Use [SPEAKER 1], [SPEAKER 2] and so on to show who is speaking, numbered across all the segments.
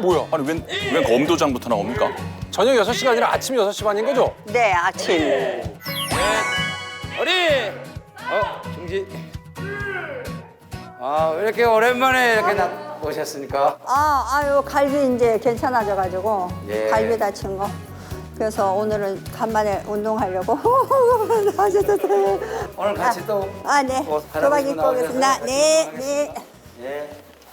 [SPEAKER 1] 뭐야?
[SPEAKER 2] 아니 웬 검도장부터 나옵니까?
[SPEAKER 1] 저녁 6시가 아니라 아침 6시 반인 거죠?
[SPEAKER 3] 네, 아침.
[SPEAKER 4] 어리! 중지. 왜 이렇게 오랜만에 이렇게 오셨습니까?
[SPEAKER 3] 아유, 갈비 이제 괜찮아져가지고
[SPEAKER 4] 예.
[SPEAKER 3] 갈비 다친 거. 그래서 오늘은 간만에 운동하려고.
[SPEAKER 4] 오늘 같이 또
[SPEAKER 3] 네.
[SPEAKER 4] 옷 갈아입고
[SPEAKER 3] 도박 입고 오겠습니다.
[SPEAKER 4] 나오셔서
[SPEAKER 3] 네, 네.
[SPEAKER 4] 예.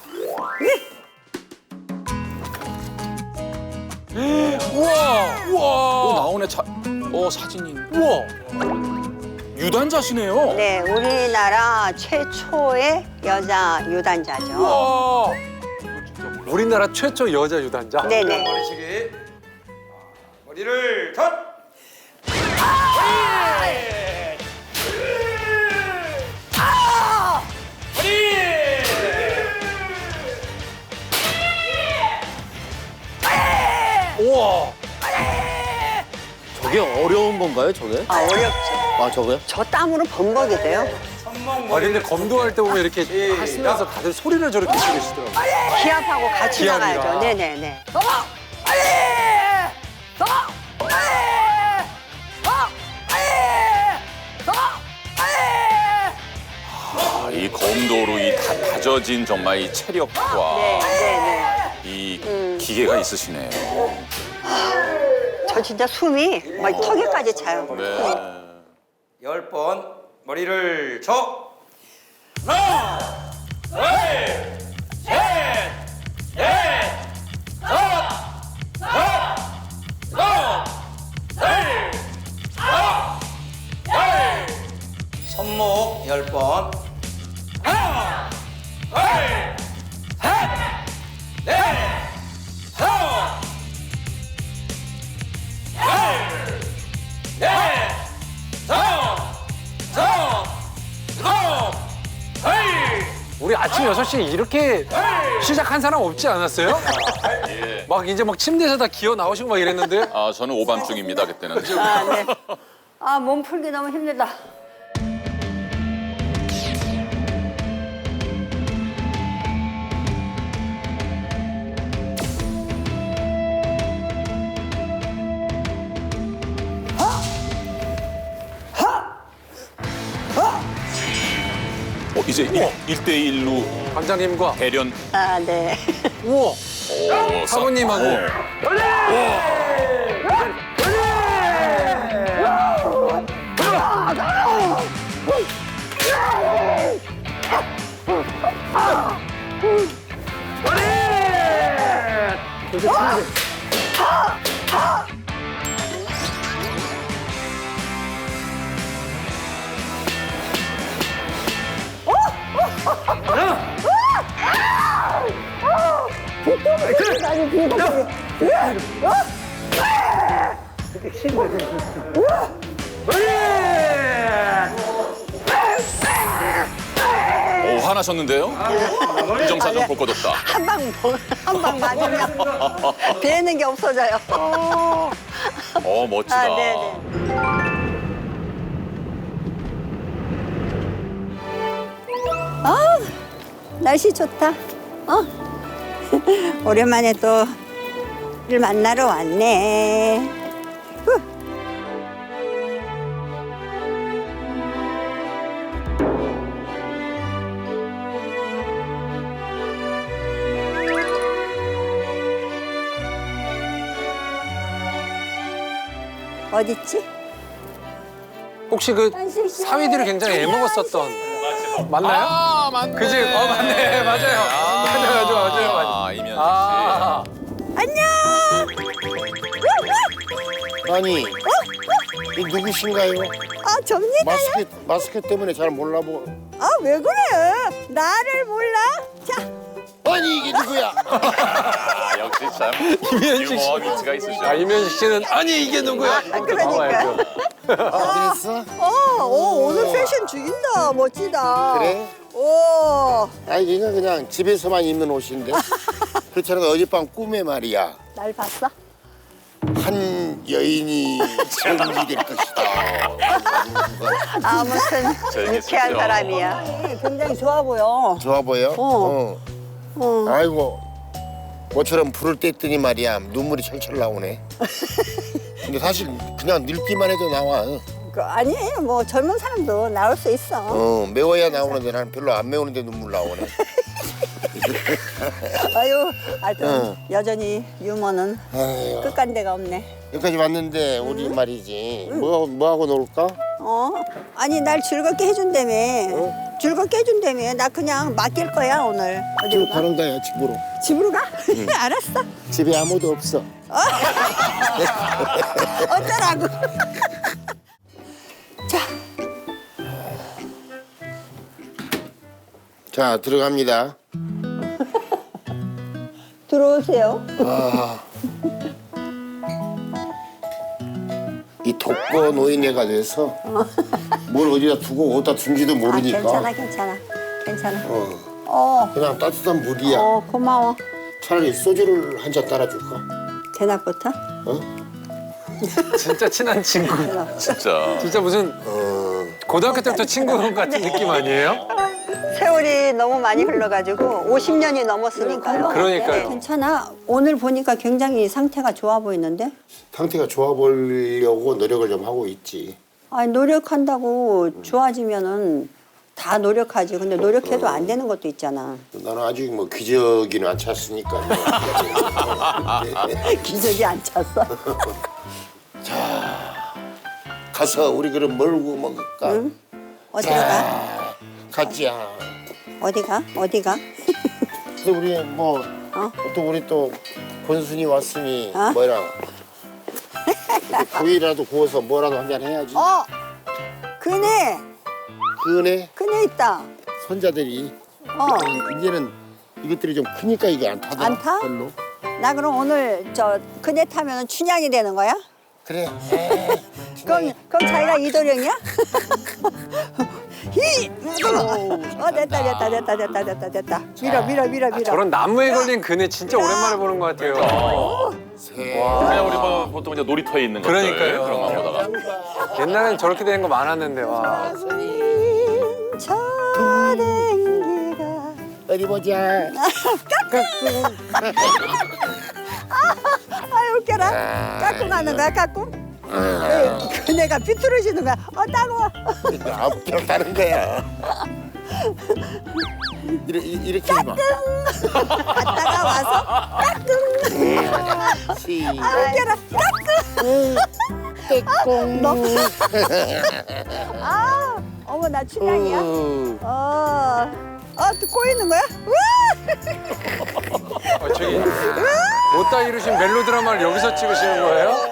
[SPEAKER 1] 우와!
[SPEAKER 2] 나오네 사진이.
[SPEAKER 1] 우와!
[SPEAKER 2] 유단자시네요.
[SPEAKER 3] 네, 우리나라 최초의 여자 유단자죠.
[SPEAKER 1] 우와! 우리나라 최초 여자 유단자?
[SPEAKER 3] 네네.
[SPEAKER 4] 머리시기. 머리를 덧!
[SPEAKER 1] 우와!
[SPEAKER 5] 저게 어려운 건가요, 저게?
[SPEAKER 3] 어렵죠.
[SPEAKER 5] 아, 저거요?
[SPEAKER 3] 저 땀으로 범벅이 돼요.
[SPEAKER 4] 손목
[SPEAKER 1] 아, 근데 검도할 때 보면 이렇게 하시면서 다들 소리를 저렇게 지르시더라고요.
[SPEAKER 3] 기합하고 같이
[SPEAKER 1] 기합이라.
[SPEAKER 3] 나가야죠. 네네네.
[SPEAKER 2] 이 검도로 이 다져진 정말 이 체력과
[SPEAKER 3] 네네네.
[SPEAKER 2] 이 기계가 있으시네요.
[SPEAKER 3] 저 진짜 숨이 막 턱에까지 차요.
[SPEAKER 2] 네.
[SPEAKER 4] 10번 머리를 쳐! 손목 10번.
[SPEAKER 1] 우리 아침 6시에 이렇게 시작한 사람 없지 않았어요? 막 이제 막 침대에서 다 기어 나오시고 막 이랬는데.
[SPEAKER 2] 저는 오밤중입니다 그때는.
[SPEAKER 3] 네. 몸 풀기 너무 힘들다.
[SPEAKER 2] 이제 1대1로
[SPEAKER 1] 관장님과.
[SPEAKER 2] 대련.
[SPEAKER 3] 네.
[SPEAKER 1] 우와!
[SPEAKER 2] 오,
[SPEAKER 1] 사모님하고.
[SPEAKER 2] 오, 화나셨는데요? 이정사정 볼 것 없다.
[SPEAKER 3] 한 방 맞으면 배는 게 없어져요.
[SPEAKER 2] 멋지다.
[SPEAKER 3] 네네. 날씨 좋다. 오랜만에 또 일 만나러 왔네. 후. 어딨지?
[SPEAKER 1] 혹시 그 사위들이 굉장히 애먹었었던. 맞나요?
[SPEAKER 2] 맞네.
[SPEAKER 1] 그지? 맞네. 맞아요. 맞아요.
[SPEAKER 2] 이면식 씨.
[SPEAKER 3] 안녕.
[SPEAKER 5] 아니, 이 누구신가요?
[SPEAKER 3] 접니다.
[SPEAKER 5] 마스크 때문에 잘 몰라보.
[SPEAKER 3] 왜 그래? 나를 몰라? 자,
[SPEAKER 5] 아니, 이게 누구야?
[SPEAKER 2] 역시 참
[SPEAKER 1] 이면식 씨.
[SPEAKER 2] 유머 위치가 있으시죠.
[SPEAKER 1] 이면식 씨는 아니 이게 누구야?
[SPEAKER 3] 그러니까.
[SPEAKER 5] 그랬어?
[SPEAKER 3] 오늘 패션 죽인다. 멋지다.
[SPEAKER 5] 그래?
[SPEAKER 3] 오,
[SPEAKER 5] 아니, 이건 그냥 집에서만 입는 옷인데. 그렇잖아, 어젯밤 꿈에 말이야.
[SPEAKER 3] 날 봤어?
[SPEAKER 5] 한 여인이 정지될 것이다.
[SPEAKER 3] 아무튼
[SPEAKER 2] 재밌겠죠.
[SPEAKER 3] 유쾌한 사람이야. 굉장히 좋아 보여.
[SPEAKER 5] 좋아 보여?
[SPEAKER 3] 어.
[SPEAKER 5] 아이고, 모처럼 불을 뗐더니 말이야 눈물이 철철 나오네. 근데 사실 그냥 늙기만 해도 나와.
[SPEAKER 3] 아니에요. 뭐 젊은 사람도 나올 수 있어.
[SPEAKER 5] 매워야 나오는데 나는 별로 안 매우는데 눈물 나오네.
[SPEAKER 3] 아유, 하여튼 여전히 유머는
[SPEAKER 5] 아유,
[SPEAKER 3] 끝간 데가 없네.
[SPEAKER 5] 여기까지 왔는데 우리 말이지 뭐 하고 놀까?
[SPEAKER 3] 아니 날 즐겁게 해준다며. 즐겁게 해준다며. 나 그냥 맡길 거야 오늘. 어디로
[SPEAKER 5] 지금
[SPEAKER 3] 가?
[SPEAKER 5] 가는 거야 집으로.
[SPEAKER 3] 집으로 가? 알았어.
[SPEAKER 5] 집에 아무도 없어.
[SPEAKER 3] 어쩌라고.
[SPEAKER 5] 자 들어갑니다.
[SPEAKER 3] 들어오세요.
[SPEAKER 5] 이 독거 노인네가 돼서 뭘 어디다 두고 어디다 둔지도 모르니까
[SPEAKER 3] 괜찮아.
[SPEAKER 5] 그냥 따뜻한 물이야.
[SPEAKER 3] 고마워.
[SPEAKER 5] 차라리 소주를 한 잔 따라줄까?
[SPEAKER 3] 대낮부터?
[SPEAKER 1] 진짜 친한 친구.
[SPEAKER 2] 진짜.
[SPEAKER 1] 진짜 무슨 고등학교 때부터 친구 같은 느낌 아니에요?
[SPEAKER 3] 세월이 너무 많이 흘러가지고 50년이 넘었으니까요.
[SPEAKER 1] 그러니까요.
[SPEAKER 3] 괜찮아. 오늘 보니까 굉장히 상태가 좋아 보이는데?
[SPEAKER 5] 상태가 좋아 보려고 노력을 좀 하고 있지.
[SPEAKER 3] 아니 노력한다고 좋아지면은 다 노력하지. 근데 노력해도 안 되는 것도 있잖아.
[SPEAKER 5] 나는 아직 뭐 기저귀는 안 찼으니까.
[SPEAKER 3] 기적이 안 찼어.
[SPEAKER 5] 가서 우리 그럼 뭘고 먹을까?
[SPEAKER 3] 어디로 가?
[SPEAKER 5] 가자.
[SPEAKER 3] 어디가?
[SPEAKER 5] 근데 우리 뭐 또 우리 또 권순이 왔으니 뭐라 고기라도 구워서 뭐라도 한잔 해야지.
[SPEAKER 3] 그네 있다.
[SPEAKER 5] 손자들이 이제는 이것들이 좀 크니까 이게 안 타더라.
[SPEAKER 3] 안 타?
[SPEAKER 5] 별로.
[SPEAKER 3] 나 그럼 오늘 저 그네 타면은 춘향이 되는 거야?
[SPEAKER 5] 그래.
[SPEAKER 3] 그럼 자기가 이도령이야? 됐다. 밀어.
[SPEAKER 1] 저런 나무에 걸린 그네 진짜 오랜만에 보는 것 같아요.
[SPEAKER 2] 그냥 우리 뭐 보통 이제 놀이터에 있는 것들
[SPEAKER 1] 그러니까요.
[SPEAKER 2] 그런 거 보다가.
[SPEAKER 1] 옛날엔 저렇게 되는 거 많았는데 와.
[SPEAKER 3] 저댕기가
[SPEAKER 5] 어디 보자.
[SPEAKER 3] 아유 웃겨라. 까꿍 하는 거야 까꿍? 그네가 비뚤어지는 거야. 따가워.
[SPEAKER 5] 앞으로 가는 거야. 이렇게 해봐.
[SPEAKER 3] 갔다가 와서 까꿍. 웃겨라 까꿍. 어머 나 춘향이야? 또 꼬이는 거야?
[SPEAKER 1] 저기 못다 이루신 멜로드라마를 여기서 찍으시는 거예요?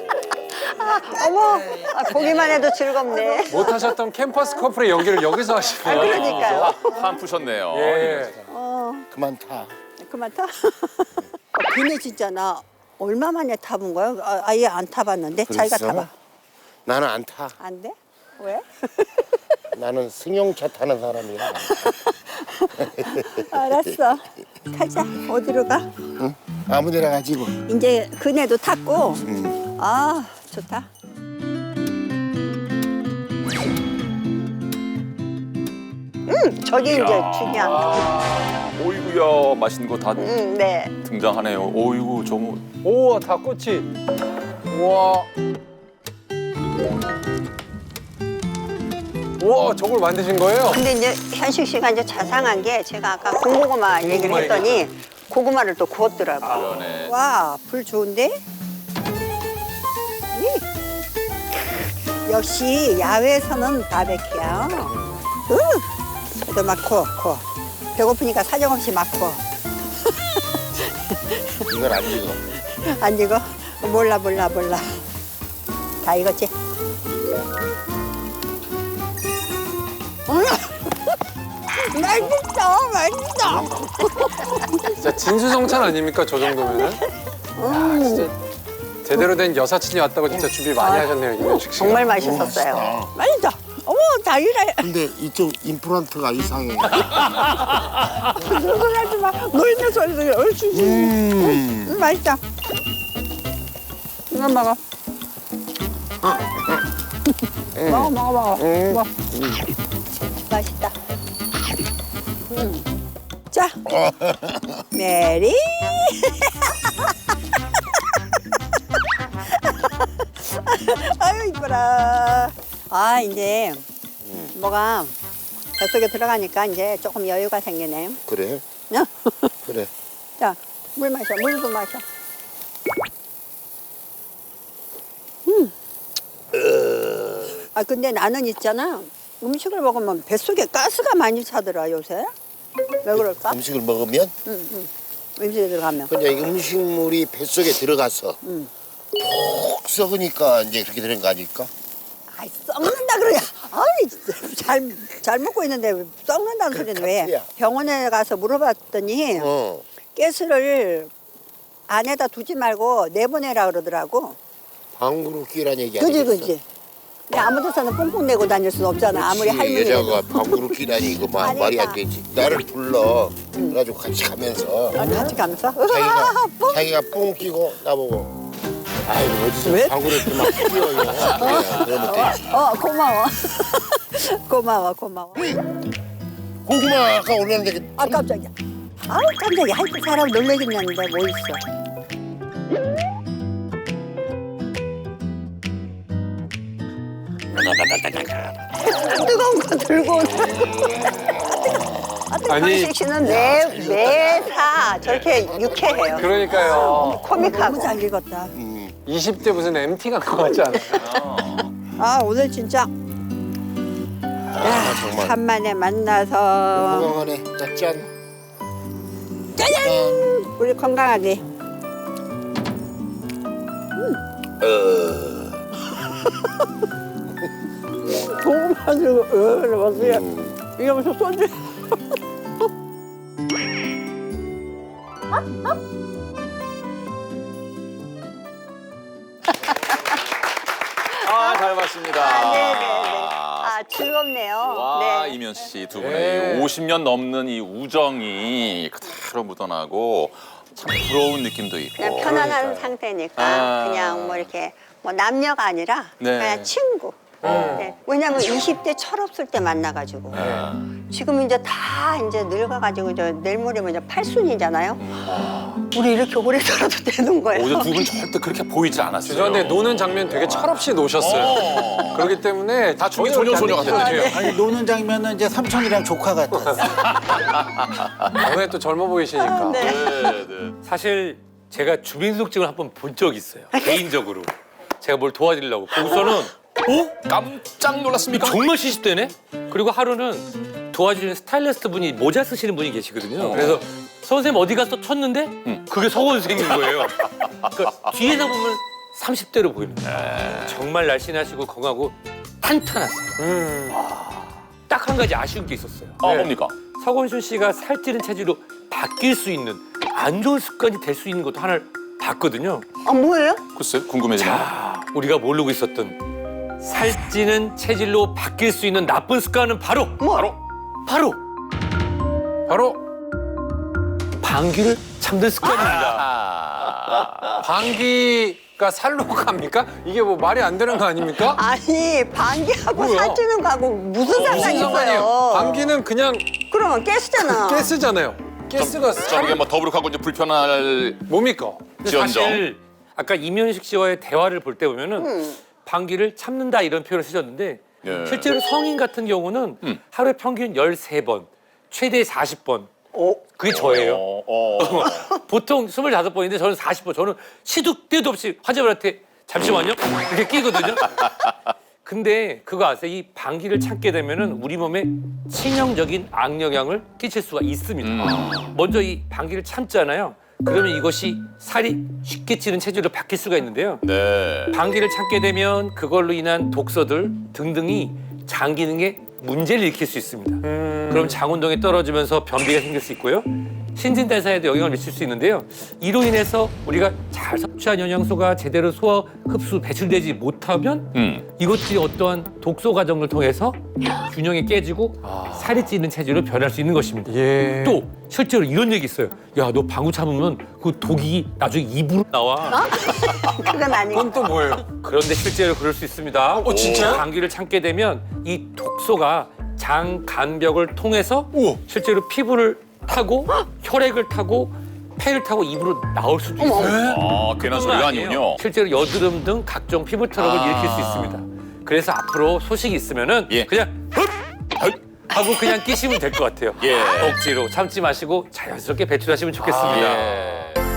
[SPEAKER 3] 어머 보기만 해도 즐겁네.
[SPEAKER 1] 못하셨던 캠퍼스 커플의 연기를 여기서 하시네요.
[SPEAKER 3] 그러니까요.
[SPEAKER 2] 한 푸셨네요.
[SPEAKER 1] 예.
[SPEAKER 5] 그만 타.
[SPEAKER 3] 그만 타. 그네 진짜 나 얼마 만에 타본 거야? 아예 안 타봤는데 자기가
[SPEAKER 5] 그랬어?
[SPEAKER 3] 타봐.
[SPEAKER 5] 나는 안 타.
[SPEAKER 3] 안 돼? 왜?
[SPEAKER 5] 나는 승용차 타는 사람이야.
[SPEAKER 3] 알았어. 가자. 어디로 가?
[SPEAKER 5] 응? 아무데나 가지고.
[SPEAKER 3] 이제 그네도 탔고. 아 좋다. 저기 이제 춘향.
[SPEAKER 2] 오이구야 맛있는 거 다
[SPEAKER 3] 네.
[SPEAKER 2] 등장하네요. 오이구 저거
[SPEAKER 1] 우와 닭꼬치. 우와. 우와 저걸 만드신 거예요?
[SPEAKER 3] 근데 이제 현식 씨가 이제 자상한 게 제가 아까 군고구마 얘기를 했더니 고구마를 또 구웠더라고.
[SPEAKER 2] 그러네.
[SPEAKER 3] 와, 불 좋은데? 역시 야외에서는 바베큐야. 그래도 막 구워. 배고프니까 사정없이 막 구워.
[SPEAKER 5] 이걸 안 익어.
[SPEAKER 3] 안 익어? 몰라. 다 익었지? 맛있어.
[SPEAKER 1] 진짜 진수성찬 아닙니까 저 정도면은? 야, 진짜 제대로 된 여사친이 왔다고 진짜 준비 많이 하셨네요 이면식 씨가.
[SPEAKER 3] 정말 맛있었어요. 맛있다. 어머, 다 이래.
[SPEAKER 5] 근데 이쪽 임플란트가 이상해.
[SPEAKER 3] 그런 소리 하지 마. 너 있는 소리도 얼추지. 맛있다. 이거 먹어. 먹어. 맛있다. 자, 메리 아유 이뻐라. 아 이제 뭐가 뱃속에 들어가니까 이제 조금 여유가 생기네.
[SPEAKER 5] 그래?
[SPEAKER 3] 야,
[SPEAKER 5] 그래.
[SPEAKER 3] 자, 물 마셔. 물도 마셔. 아 근데 나는 있잖아. 음식을 먹으면 뱃속에 가스가 많이 차더라 요새. 왜 그럴까?
[SPEAKER 5] 음식을 먹으면
[SPEAKER 3] 음식에 들어가면.
[SPEAKER 5] 그냥 이 음식물이 뱃속에 들어가서 푹 썩으니까 이제 그렇게 되는 거 아닐까?
[SPEAKER 3] 아이 썩는다 그러냐. 아이 진짜 잘 먹고 있는데 왜 썩는다는 소리는 왜?
[SPEAKER 5] 가스야.
[SPEAKER 3] 병원에 가서 물어봤더니
[SPEAKER 5] 어.
[SPEAKER 3] 가스를 안에다 두지 말고 내보내라 그러더라고.
[SPEAKER 5] 방구로 끼란 얘기
[SPEAKER 3] 그지
[SPEAKER 5] 아니겠어?
[SPEAKER 3] 그지. 근데 아무 데서나 뽕뽕 내고 다닐 수는 없잖아. 아무리 할머니
[SPEAKER 5] 여자가 방구로 끼라니 이거
[SPEAKER 3] 아니다.
[SPEAKER 5] 말이 안 되지. 나를 불러. 그래가지고 같이 가면서
[SPEAKER 3] 같이 가면서
[SPEAKER 5] 자기가 뽕 끼고 나보고 아이고 어디서
[SPEAKER 3] 왜?
[SPEAKER 5] 방구를 이렇게 막 끼워요. 그래, 그러면 되지.
[SPEAKER 3] 고마워. 고마워 고마워.
[SPEAKER 5] 고구마 아까 올렸는데
[SPEAKER 3] 아 깜짝이야. 아우 깜짝이야. 하여튼 사람 놀래긴 했는데 뭐 있어. 뜨거운 거 들고 오는.
[SPEAKER 1] 아니.
[SPEAKER 3] 황식 씨는 매사 저렇게 유쾌해요.
[SPEAKER 1] 그러니까요.
[SPEAKER 3] 코믹하고. 너무 잘 읽었다.
[SPEAKER 1] 20대 무슨 MT 간 것 같지 않아요?
[SPEAKER 3] 아 오늘 진짜 야,
[SPEAKER 5] 정말.
[SPEAKER 3] 간만에 만나서
[SPEAKER 5] 건강하네. 자, 짠.
[SPEAKER 3] 짜잔 우리 건강하게. 고구마 들고 이러면서 이러면서 소주.
[SPEAKER 2] 아, 잘 봤습니다.
[SPEAKER 3] 아 즐겁네요.
[SPEAKER 2] 와,
[SPEAKER 3] 네.
[SPEAKER 2] 이면 씨 두 분의
[SPEAKER 1] 네.
[SPEAKER 2] 50년 넘는 이 우정이 그대로 묻어나고 참 부러운 느낌도 있고.
[SPEAKER 3] 그냥 편안한 상태니까
[SPEAKER 2] 아.
[SPEAKER 3] 그냥 뭐 이렇게 뭐 남녀가 아니라
[SPEAKER 2] 네.
[SPEAKER 3] 그냥 친구. 네. 왜냐면 20대 철없을 때 만나가지고 지금 이제 다 이제 늙어가지고 저 내일 모레면 이제 팔순이잖아요. 우리 이렇게 오래 살아도 되는 거예요.
[SPEAKER 2] 어제 두 분 절대 그렇게 보이지 않았어요.
[SPEAKER 1] 죄송한데 노는 장면 되게 철없이 노셨어요. 그렇기 때문에
[SPEAKER 2] 다 중기 소녀소녀 같았는데요.
[SPEAKER 6] 아니 노는 장면은 이제 삼촌이랑 조카 같았어.
[SPEAKER 1] 오늘 또 젊어 보이시니까.
[SPEAKER 2] 네, 네.
[SPEAKER 7] 사실 제가 주민등록증을 한번 본 적이 있어요. 개인적으로. 제가 뭘 도와드리려고. 거기서는
[SPEAKER 2] 깜짝 놀랐습니까?
[SPEAKER 7] 정말 시시되네? 그리고 하루는 도와주는 스타일리스트 분이 모자 쓰시는 분이 계시거든요. 그래서 선생님 어디 가서 쳤는데 그게 서건 선생님인 거예요. 그러니까 뒤에서 보면 30대로 보이는 거예요. 정말 날씬하시고 건강하고 탄탄하세요. 딱 한 가지 아쉬운 게 있었어요.
[SPEAKER 2] 아, 뭡니까?
[SPEAKER 7] 서건순 씨가 살찌는 체질로 바뀔 수 있는 안 좋은 습관이 될 수 있는 것도 하나를 봤거든요.
[SPEAKER 3] 아 뭐예요?
[SPEAKER 2] 글쎄, 궁금해지네.
[SPEAKER 7] 우리가 모르고 있었던 살찌는 체질로 바뀔 수 있는 나쁜 습관은 바로 바로 방귀를 참는 습관입니다.
[SPEAKER 1] 방귀가 살로 갑니까? 이게 뭐 말이 안 되는 거 아닙니까?
[SPEAKER 3] 아니 방귀하고
[SPEAKER 1] 뭐야?
[SPEAKER 3] 살찌는 거하고 무슨 상관이 있어요?
[SPEAKER 1] 방귀는 그냥
[SPEAKER 3] 그러면 가스잖아.
[SPEAKER 1] 가스잖아요. 가스가
[SPEAKER 2] 좀 이게 뭐 더부룩하고 이제 불편할
[SPEAKER 1] 뭡니까?
[SPEAKER 2] 지연정.
[SPEAKER 7] 사실 아까 이면식 씨와의 대화를 볼 때 보면은 방귀를 참는다 이런 표현을 쓰셨는데
[SPEAKER 2] 예.
[SPEAKER 7] 실제로 성인 같은 경우는 하루에 평균 13번, 최대 40번. 그게 저예요. 보통 25번인데 저는 40번. 저는 시도 때도 없이 환자분한테 잠시만요. 이렇게 끼거든요. 근데 그거 아세요? 이 방귀를 참게 되면은 우리 몸에 치명적인 악영향을 끼칠 수가 있습니다. 먼저 이 방귀를 참잖아요. 그러면 이것이 살이 쉽게 찌는 체질로 바뀔 수가 있는데요.
[SPEAKER 2] 네.
[SPEAKER 7] 방귀를 참게 되면 그걸로 인한 독소들 등등이 장 기능에 문제를 일으킬 수 있습니다. 그럼 장 운동이 떨어지면서 변비가 생길 수 있고요. 신진대사에도 영향을 미칠 수 있는데요. 이로 인해서 우리가 잘 섭취한 영양소가 제대로 소화, 흡수, 배출되지 못하면 이것들이 어떠한 독소 과정을 통해서 균형이 깨지고 살이 찌는 체질로 변할 수 있는 것입니다.
[SPEAKER 1] 예.
[SPEAKER 7] 또 실제로 이런 얘기 있어요. 야, 너 방구 참으면 그 독이 나중에 입으로 나와.
[SPEAKER 3] 그건 아니고.
[SPEAKER 1] 그건 또 뭐예요?
[SPEAKER 7] 그런데 실제로 그럴 수 있습니다.
[SPEAKER 1] 진짜요?
[SPEAKER 7] 감기를 참게 되면 이 독소가 장 간벽을 통해서
[SPEAKER 1] 우와.
[SPEAKER 7] 실제로 피부를 타고 혈액을 타고 폐를 타고 입으로 나올 수도 있어요.
[SPEAKER 2] 아, 괜한 소리가 아니군요.
[SPEAKER 7] 실제로 여드름 등 각종 피부 트러블을 일으킬 수 있습니다. 그래서 앞으로 소식이 있으면은
[SPEAKER 2] 예.
[SPEAKER 7] 그냥 흡! 하고 그냥 끼시면 될 것 같아요.
[SPEAKER 2] 예.
[SPEAKER 7] 억지로 참지 마시고 자연스럽게 배출하시면 좋겠습니다.
[SPEAKER 2] 예.